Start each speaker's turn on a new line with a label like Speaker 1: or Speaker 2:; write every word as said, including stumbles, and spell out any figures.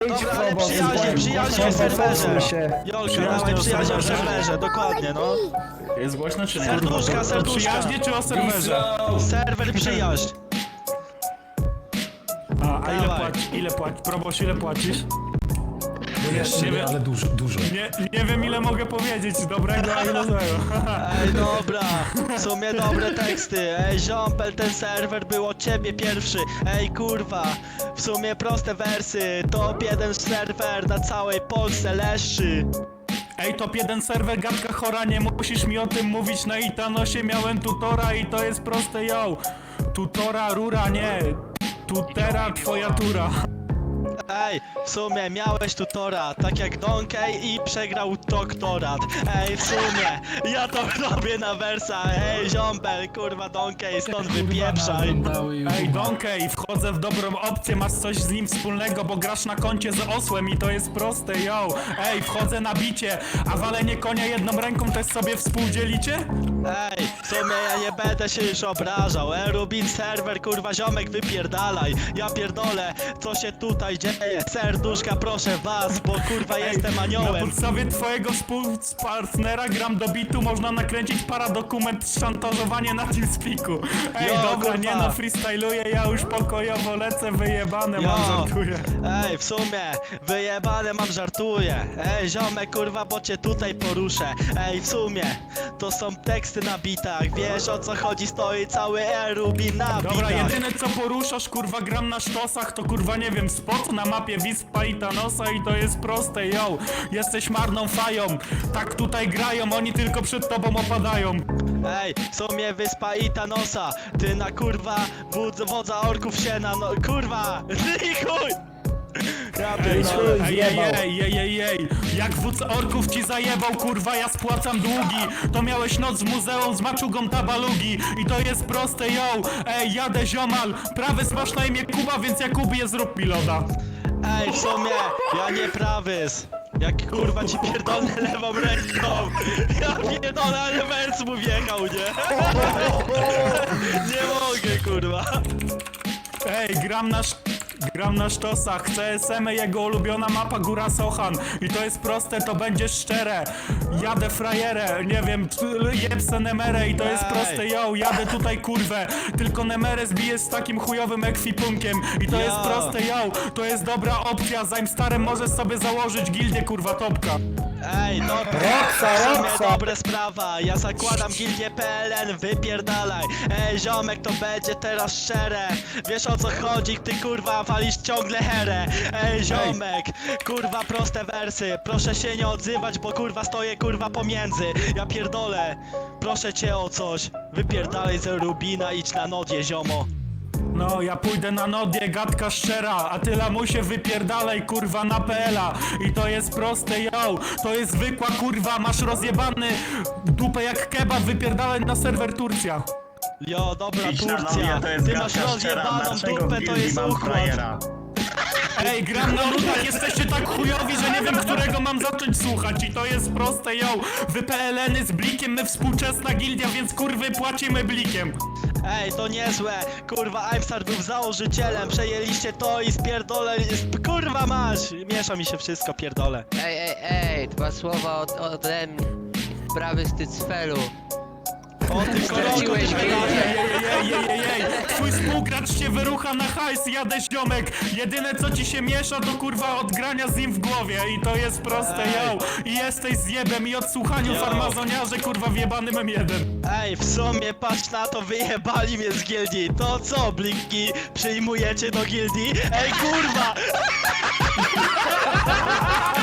Speaker 1: Dobra, ale przyjaźnie, przyjaźnie w serwerze. Jolka, dawaj przyjaźnie w serwerze, dokładnie, no.
Speaker 2: Jest głośno czy nie?
Speaker 1: Serduszka, serduszka.
Speaker 3: Przyjaźnie czy o serwerze?
Speaker 1: Serwer przyjaźń.
Speaker 3: A, a ile
Speaker 1: Dawaj.
Speaker 3: płacisz? Ile płacisz? Proboś, ile płacisz?
Speaker 4: Jeszcze
Speaker 3: nie
Speaker 4: nie,
Speaker 3: wiem.
Speaker 4: ale dużo, dużo.
Speaker 3: Nie, nie wiem ile mogę powiedzieć dobrego, a ile złego.
Speaker 1: Ej, dobra, w sumie dobre teksty. Ej, ziompel, ten serwer był od ciebie pierwszy. Ej, kurwa, w sumie proste wersy. Top jeden serwer na całej Polsce leszczy.
Speaker 3: Ej, top jeden serwer, gadka chora, nie musisz mi o tym mówić. Na Itanosie miałem tutora i to jest proste, yo. Tutora, rura, nie. Tutera, twoja tura.
Speaker 1: Ej, w sumie miałeś tutora, tak jak Donkey i przegrał doktorat. Ej, w sumie, ja to robię na wersa. Ej, ziompel, kurwa Donkey, stąd wypieprzaj.
Speaker 3: Ej, Donkey, wchodzę w dobrą opcję, masz coś z nim wspólnego, bo grasz na koncie z osłem i to jest proste, yo. Ej, wchodzę na bicie, a walenie konia jedną ręką też sobie współdzielicie?
Speaker 1: Ej, w sumie ja nie będę się już obrażał. Ej, Rubin serwer, kurwa ziomek, wypierdalaj. Ja pierdolę, co się tutaj dzieje. Serduszka, proszę was, bo kurwa jestem
Speaker 3: Na
Speaker 1: aniołem.
Speaker 3: podstawie twojego współpartnera gram do bitu, można nakręcić paradokument szantażowanie na TeamSpeaku. Ej,
Speaker 1: Jo,
Speaker 3: dobra,
Speaker 1: kurwa.
Speaker 3: nie no, freestyluję, ja już pokojowo lecę, wyjebane
Speaker 1: Jo.
Speaker 3: mam, żartuję.
Speaker 1: Ej, w sumie, wyjebane mam, żartuję. Ej, ziomek, kurwa, bo cię tutaj poruszę. Ej, w sumie, to są teksty na bitach. Wiesz o co chodzi, stoi cały Rubin na
Speaker 3: Dobra,
Speaker 1: bitach.
Speaker 3: jedyne co poruszasz, kurwa, gram na sztosach, to kurwa, nie wiem, spot na mapie Wispa i Thanosa i to jest proste, yo. Jesteś marną fają, tak tutaj grają, oni tylko przed tobą opadają.
Speaker 1: Ej, w sumie wyspa i Thanosa. Ty na kurwa wódz, wodza orków się na no... Kurwa! I chuj! Ja
Speaker 3: Ej,
Speaker 1: pierdolę.
Speaker 3: ej, ej, ej, ej, ej, ej, jak wódz orków ci zajebał, kurwa, ja spłacam długi. To miałeś noc w muzeum z maczugą tabalugi i to jest proste, yo. Ej, jadę ziomal, prawy masz na imię Kuba, więc Jakubie zrób mi loda.
Speaker 1: Ej, w sumie, ja nie prawys. Jak kurwa ci pierdolę lewą ręką. Ja pierdolę, ale wers mu wjechał, nie? Nie mogę, kurwa.
Speaker 3: Ej, gram na sz... Gram na sztosach, C S M, jego ulubiona mapa Góra Sochan. I to jest proste, to będzie szczere. Jadę frajerę, nie wiem, jebsę Nemerę i to jest
Speaker 1: Ej.
Speaker 3: proste, yo. Jadę tutaj kurwę, tylko Nemerę zbiję z takim chujowym ekwipunkiem. I to
Speaker 1: Yo.
Speaker 3: jest proste, yo. To jest dobra opcja, zanim starym możesz sobie założyć gildię, kurwa, topka.
Speaker 1: Ej, dobra. W sumie dobre sprawa. Ja zakładam gildię P L N, wypierdalaj. Ej, ziomek, to będzie teraz szczere. Wiesz o co chodzi, ty kurwa walisz ciągle herę. Ej, ziomek, kurwa proste wersy. Proszę się nie odzywać, bo kurwa stoję kurwa pomiędzy. Ja pierdolę, proszę cię o coś. Wypierdalaj ze Rubina, idź na nodzie, ziomo.
Speaker 3: No, ja pójdę na nodię, gadka szczera, a ty lamusie wypierdalaj, kurwa, na P L a. I to jest proste, yo, to jest zwykła kurwa, masz rozjebany dupę jak kebab, wypierdalaj na serwer Turcja.
Speaker 1: Jo, dobra,
Speaker 2: Idź na
Speaker 1: Turcja.
Speaker 2: nowie, to jest
Speaker 1: Ty masz
Speaker 2: gadka szczera,
Speaker 1: rozjebaną
Speaker 2: dlaczego
Speaker 1: dupę,
Speaker 2: w
Speaker 1: to
Speaker 2: gildii
Speaker 1: jest
Speaker 2: mam
Speaker 1: układ.
Speaker 2: frajera?
Speaker 3: Ej, gram na nudach, jesteście tak chujowi, że nie wiem, którego mam zacząć słuchać. I to jest proste, yo, wy P L N y z blikiem, my współczesna gildia, więc kurwy płacimy blikiem.
Speaker 1: Ej, to niezłe, kurwa, Aimstar był założycielem, przejęliście to i spierdolę, sp- kurwa masz! Miesza mi się wszystko, pierdolę.
Speaker 5: Ej, ej, ej, dwa słowa od, ode mnie. Prawy stycfelu.
Speaker 1: O ty kolego,
Speaker 5: Straciłeś
Speaker 1: ty
Speaker 5: gildię.
Speaker 3: Ej, ej, ej, ej, ej, twój współgracz się wyrucha na hajs, jadę ziomek. Jedyne co ci się miesza to kurwa od grania z nim w głowie. I to jest proste,
Speaker 1: Ej.
Speaker 3: yo. I jesteś zjebem i odsłuchaniu
Speaker 1: Yo.
Speaker 3: farmazoniarze, kurwa wjebanym M jeden.
Speaker 1: Ej, w sumie patrz na to, wyjebali mnie z gildii. To co, blinki, przyjmujecie do gildii? Ej, kurwa!